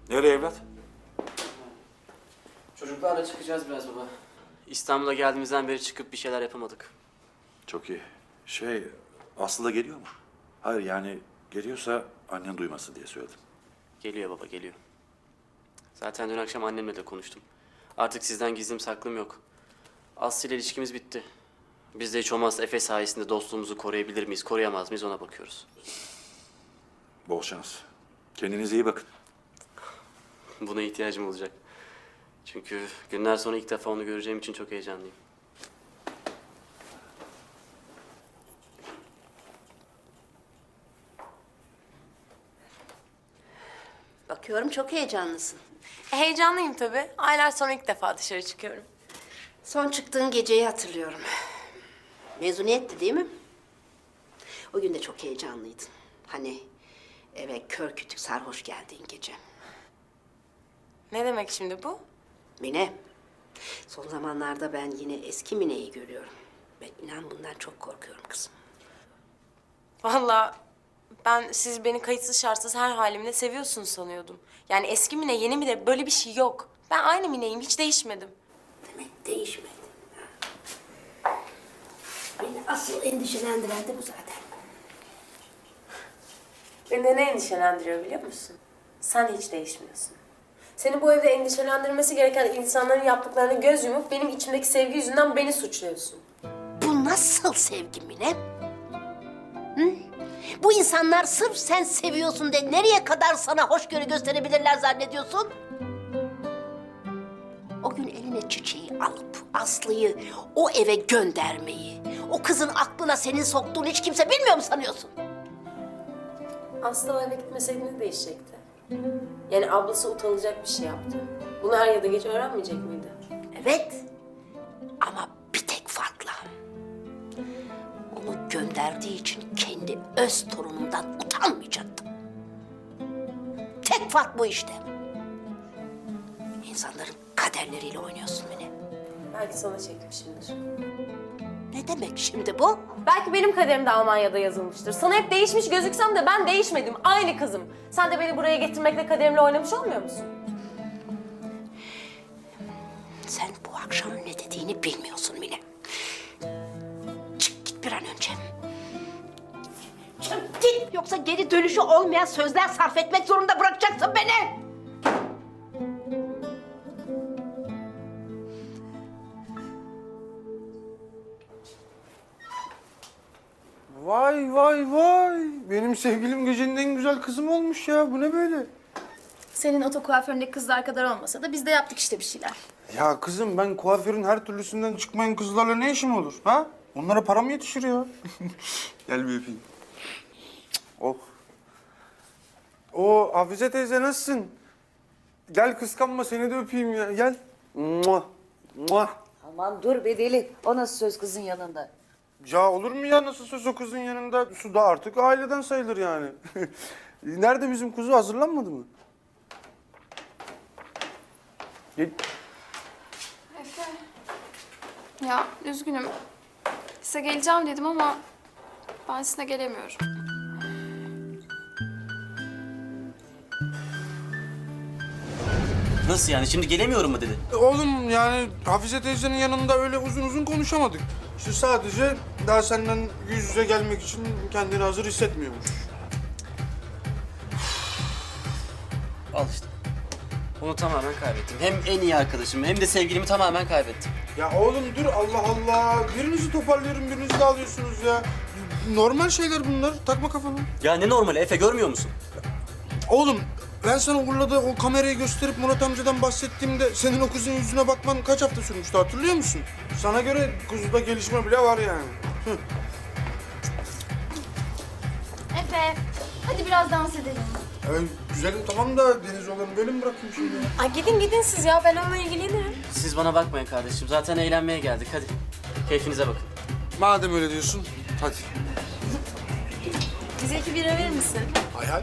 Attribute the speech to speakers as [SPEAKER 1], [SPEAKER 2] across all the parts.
[SPEAKER 1] Nereye evlat?
[SPEAKER 2] Çocuklarla çıkacağız biraz baba. İstanbul'a geldiğimizden beri çıkıp bir şeyler yapamadık.
[SPEAKER 1] Çok iyi. Aslı da geliyor mu? Hayır yani geliyorsa annen duymasın diye söyledim.
[SPEAKER 2] Geliyor baba, geliyor. Zaten dün akşam annemle de konuştum. Artık sizden gizlim saklım yok. Aslı ile ilişkimiz bitti. Biz de hiç olmazsa Efe sayesinde dostluğumuzu koruyabilir miyiz, koruyamaz mıyız ona bakıyoruz.
[SPEAKER 1] Bol şans. Kendinize iyi bakın.
[SPEAKER 2] Buna ihtiyacım olacak. Çünkü günler sonra ilk defa onu göreceğim için çok heyecanlıyım.
[SPEAKER 3] Bakıyorum çok heyecanlısın.
[SPEAKER 4] Heyecanlıyım tabii. Aylar sonra ilk defa dışarı çıkıyorum.
[SPEAKER 3] Son çıktığın geceyi hatırlıyorum. Mezuniyetti değil mi? O gün de çok heyecanlıydın. Hani eve kör kütük sarhoş geldiğin gece.
[SPEAKER 4] Ne demek şimdi bu?
[SPEAKER 3] Mine, son zamanlarda ben yine eski Mine'yi görüyorum. Ben inan bundan çok korkuyorum kızım.
[SPEAKER 4] Vallahi ben siz beni kayıtsız şartsız her halimle seviyorsunuz sanıyordum. Yani eski Mine, yeni Mine böyle bir şey yok. Ben aynı Mine'yim, hiç değişmedim.
[SPEAKER 3] Demek değişmedi. Beni asıl endişelendiren de bu zaten.
[SPEAKER 4] Beni de ne endişelendiriyor biliyor musun? Sen hiç değişmiyorsun. Seni bu evde endişelendirmesi gereken insanların yaptıklarına göz yumup benim içimdeki sevgi yüzünden beni suçluyorsun.
[SPEAKER 3] Bu nasıl sevgi Mine? Hı? Bu insanlar sırf sen seviyorsun de nereye kadar sana hoşgörü gösterebilirler zannediyorsun? O gün eline çiçeği alıp Aslı'yı o eve göndermeyi, o kızın aklına senin soktuğunu hiç kimse bilmiyor mu sanıyorsun?
[SPEAKER 4] Aslı o eve gitmeseydi ne değişecekti? Yani ablası utanılacak bir şey yaptı. Bunu er ya da geç öğrenmeyecek miydi?
[SPEAKER 3] Evet ama bir tek farkla. Onu gönderdiği için kendi öz torunundan utanmayacaktım. Tek fark bu işte. İnsanların kaderleriyle oynuyorsun Mine.
[SPEAKER 4] Belki sana çekmişimdir.
[SPEAKER 3] Ne demek şimdi bu?
[SPEAKER 4] Belki benim kaderim de Almanya'da yazılmıştır. Sana hep değişmiş gözüksem de ben değişmedim. Aynı kızım. Sen de beni buraya getirmekle kaderimle oynamış olmuyor musun?
[SPEAKER 3] Sen bu akşam ne dediğini bilmiyorsun Mine. Çık git bir an önce. Çık git yoksa geri dönüşü olmayan sözler sarf etmek zorunda bırakacaksın beni.
[SPEAKER 5] Vay vay vay. Benim sevgilim gecenin en güzel kızım olmuş ya. Bu ne böyle?
[SPEAKER 6] Senin oto kuaföründeki kızlar kadar olmasa da biz de yaptık işte bir şeyler.
[SPEAKER 5] Ya kızım ben kuaförün her türlüsünden çıkmayan kızlarla ne işim olur ha? Onlara param yetişir ya. Gel bir öpeyim. Oh. Oo Hafize teyze nasılsın? Gel kıskanma seni de öpeyim ya. Gel. Muah. Muah.
[SPEAKER 7] Aman dur be deli. O nasıl söz kızın yanında?
[SPEAKER 5] Ya olur mu ya nasıl söz o kızın yanında? Su da artık aileden sayılır yani. Nerede bizim kuzu hazırlanmadı mı? Gel.
[SPEAKER 6] Efe. Ya üzgünüm. Size geleceğim dedim ama ben size gelemiyorum.
[SPEAKER 2] Nasıl yani? Şimdi gelemiyorum mu dedi?
[SPEAKER 5] Oğlum yani Hafize teyzenin yanında öyle uzun uzun konuşamadık. İşte sadece daha senden yüz yüze gelmek için kendini hazır hissetmiyormuş.
[SPEAKER 2] Al işte. Onu tamamen kaybettim. Hem en iyi arkadaşım hem de sevgilimi tamamen kaybettim.
[SPEAKER 5] Ya oğlum dur Allah Allah. Birinizi toparlıyorum birinizi de alıyorsunuz ya. Normal şeyler bunlar. Takma kafana.
[SPEAKER 2] Ya ne normali Efe, görmüyor musun?
[SPEAKER 5] Oğlum ben sana Urla'da o kamerayı gösterip Murat amcadan bahsettiğimde senin o kızın yüzüne bakman kaç hafta sürmüştü hatırlıyor musun? Sana göre kuzuda gelişme bile var yani.
[SPEAKER 6] Efe, hadi biraz dans edelim.
[SPEAKER 5] Güzelim tamam da deniz olanı böyle mi bırakayım şimdi ya?
[SPEAKER 4] Ay gidin siz ya, ben onunla ilgilenirim.
[SPEAKER 2] Siz bana bakmayın kardeşim. Zaten eğlenmeye geldik. Hadi. Keyfinize bakın.
[SPEAKER 5] Madem öyle diyorsun hadi.
[SPEAKER 4] Bize 2 bira verir misin?
[SPEAKER 5] Hay hay.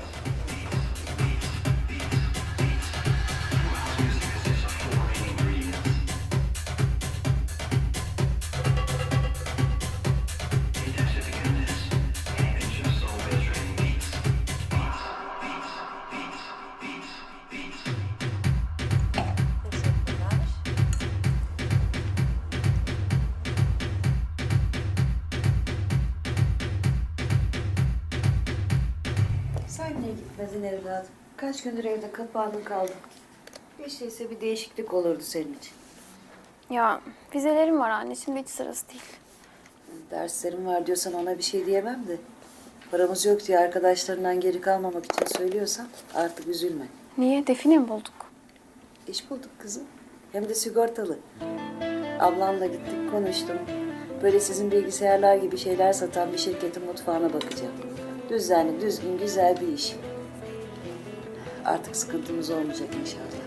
[SPEAKER 7] Sen niye gitmedin evladım? Kaç gündür evde kapandın kaldın. Hiç değilse bir değişiklik olurdu senin için.
[SPEAKER 6] Ya vizelerim var anne, şimdi hiç sırası değil.
[SPEAKER 7] Derslerim var diyorsan ona bir şey diyemem de. Paramız yok diye arkadaşlarından geri kalmamak için söylüyorsan artık üzülme.
[SPEAKER 6] Niye? Define mi bulduk?
[SPEAKER 7] İş bulduk kızım. Hem de sigortalı. Ablamla gittik konuştum. Böyle sizin bilgisayarlar gibi şeyler satan bir şirketin mutfağına bakacağım. Düzenli, düzgün, güzel bir iş. Artık sıkıntımız olmayacak inşallah.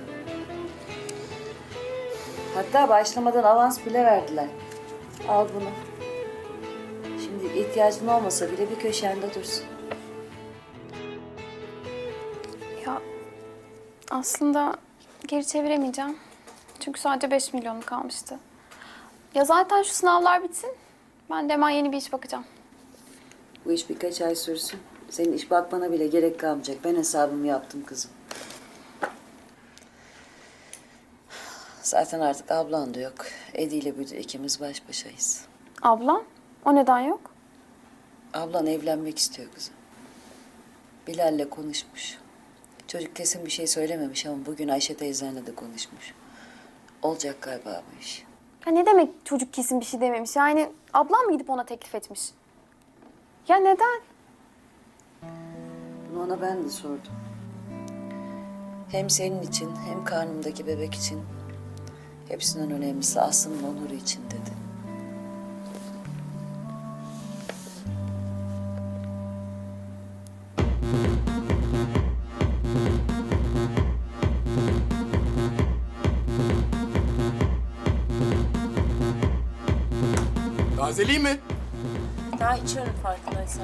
[SPEAKER 7] Hatta başlamadan avans bile verdiler. Al bunu. Şimdi ihtiyacın olmasa bile bir köşende dursun.
[SPEAKER 6] Ya aslında geri çeviremeyeceğim. Çünkü sadece 5 milyonum kalmıştı. Ya zaten şu sınavlar bitsin. Ben de hemen yeni bir iş bakacağım.
[SPEAKER 7] Bu iş birkaç ay sürsün. Senin iş bakmana bile gerek kalmayacak. Ben hesabımı yaptım kızım. Zaten artık ablan da yok. Edi ile Büdü ikimiz baş başayız.
[SPEAKER 6] Ablam? O neden yok?
[SPEAKER 7] Ablan evlenmek istiyor kızım. Bilal'le konuşmuş. Çocuk kesin bir şey söylememiş ama bugün Ayşe teyzenle de konuşmuş. Olacak galiba bu iş.
[SPEAKER 6] Ya ne demek çocuk kesin bir şey dememiş? Yani ablam mı gidip ona teklif etmiş? Ya neden?
[SPEAKER 7] Bunu ona ben de sordum. Hem senin için hem karnımdaki bebek için hepsinden önemlisi Aslı'nın onuru için dedi.
[SPEAKER 5] Tazeli mi?
[SPEAKER 4] Daha içiyorum farkındaysan.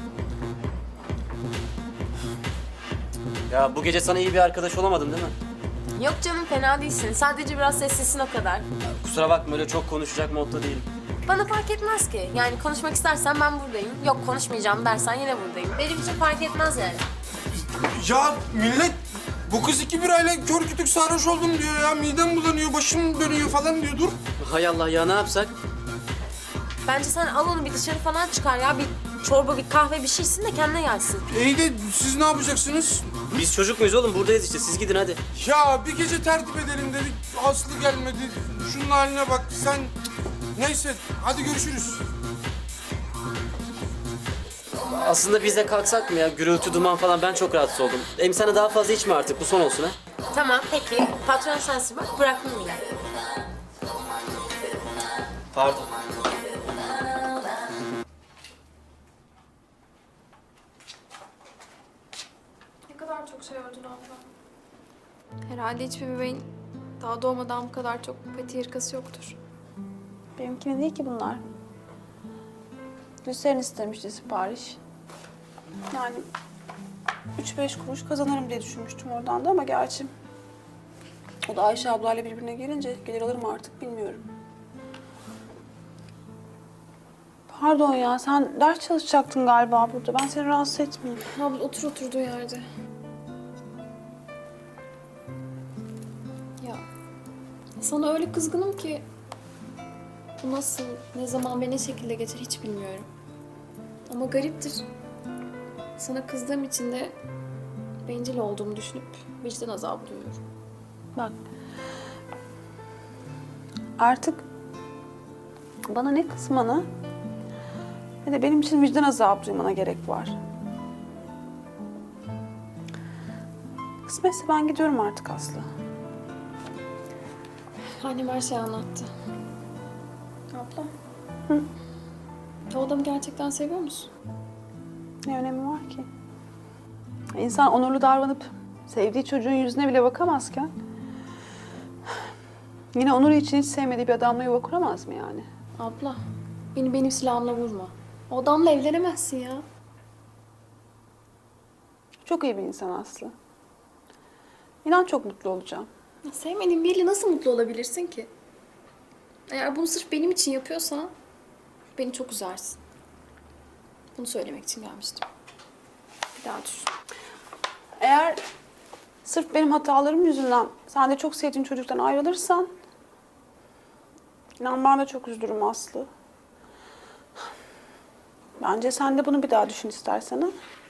[SPEAKER 2] Ya bu gece sana iyi bir arkadaş olamadım değil mi?
[SPEAKER 4] Yok canım, fena değilsin. Sadece biraz sessizsin o kadar.
[SPEAKER 2] Kusura bakma, öyle çok konuşacak modda değilim.
[SPEAKER 4] Bana fark etmez ki. Yani konuşmak istersen ben buradayım. Yok konuşmayacağım dersen yine buradayım. Benim için fark etmez yani.
[SPEAKER 5] Ya millet bu kız 2 birayla kör kütük sarhoş oldum diyor ya. Midem bulanıyor, başım dönüyor falan diyor. Dur.
[SPEAKER 2] Hay Allah ya, ne yapsak?
[SPEAKER 4] Bence sen al onu bir dışarı falan çıkar ya. Bir çorba, bir kahve, bir şey içsin de kendine gelsin.
[SPEAKER 5] İyi de siz ne yapacaksınız?
[SPEAKER 2] Biz çocuk muyuz oğlum? Buradayız işte. Siz gidin hadi.
[SPEAKER 5] Ya bir gece tertip edelim dedik. Aslı gelmedi. Şunun haline bak sen. Neyse hadi görüşürüz.
[SPEAKER 2] Aslında biz de kalksak mı ya? Gürültü, duman falan, ben çok rahatsız oldum. Hem sana daha fazla içme artık. Bu son olsun ha.
[SPEAKER 4] Tamam peki. Patron sensin bak. Bırakmayayım yani.
[SPEAKER 2] Pardon.
[SPEAKER 6] Ne kadar çok şey ördün abla. Herhalde hiçbir bebeğin daha doğmadan bu kadar çok pati hırkası yoktur.
[SPEAKER 8] Benimkine değil ki bunlar. Gülseren istemişti sipariş. Yani 3-5 kuruş kazanırım diye düşünmüştüm oradan da ama gerçi o da Ayşe ablayla birbirine gelince gelir alırım artık bilmiyorum. Pardon ya, sen ders çalışacaktın galiba burada. Ben seni rahatsız etmeyeyim.
[SPEAKER 6] Abla otur oturduğu yerde. Ya sana öyle kızgınım ki bu nasıl, ne zaman ve ne şekilde geçer hiç bilmiyorum. Ama gariptir. Sana kızdığım için de bencil olduğumu düşünüp vicdan azabı duyuyorum.
[SPEAKER 8] Bak. Artık bana ne kızmana ne de benim için vicdan azabı duymana gerek var. Kısmetse ben gidiyorum artık Aslı.
[SPEAKER 6] Annem her şeyi anlattı. Abla. Hı? O adamı gerçekten seviyor musun?
[SPEAKER 8] Ne önemi var ki? İnsan onurlu davranıp sevdiği çocuğun yüzüne bile bakamazken yine onuru için hiç sevmediği bir adamla yuva kuramaz mı yani?
[SPEAKER 6] Abla, beni benim silahımla vurma. O adamla evlenemezsin ya.
[SPEAKER 8] Çok iyi bir insan Aslı. İnan çok mutlu olacağım.
[SPEAKER 6] Ya sevmediğin biriyle nasıl mutlu olabilirsin ki? Eğer bunu sırf benim için yapıyorsan beni çok üzersin. Bunu söylemek için gelmiştim. Bir daha düşün.
[SPEAKER 8] Eğer sırf benim hatalarım yüzünden sen de çok sevdiğin çocuktan ayrılırsan inan ben de çok üzülürüm Aslı. Bence sen de bunu bir daha düşün istersen ha.